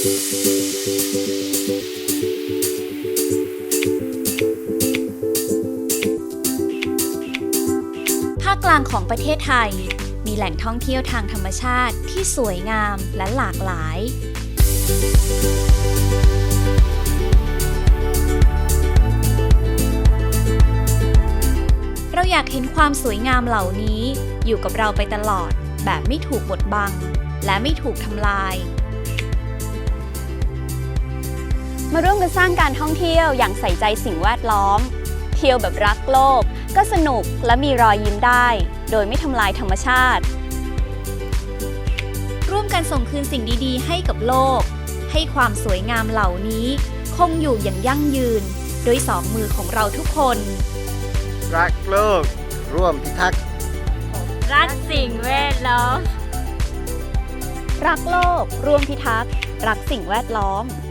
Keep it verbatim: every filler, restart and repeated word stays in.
ภาคกลางของประเทศไทยมีแหล่งท่องเที่ยวทางธรรมชาติที่สวยงามและหลากหลาย เราอยากเห็นความสวยงามเหล่านี้อยู่กับเราไปตลอดแบบไม่ถูกบดบังและไม่ถูกทำลายมาร่วมกันสร้างการท่องเที่ยวอย่างใส่ใจสิ่งแวดล้อมเที่ยวแบบรักโลกก็สนุกและมีรอยยิ้มได้โดยไม่ทำลายธรรมชาติร่วมกันส่งคืนสิ่งดีๆให้กับโลกให้ความสวยงามเหล่านี้คงอยู่อย่างยั่งยืนด้วยสองมือของเราทุกคนรักโลกร่วมพิทักษ์รักสิ่งแวดล้อมรักโลกร่วมพิทักษ์รักสิ่งแวดล้อม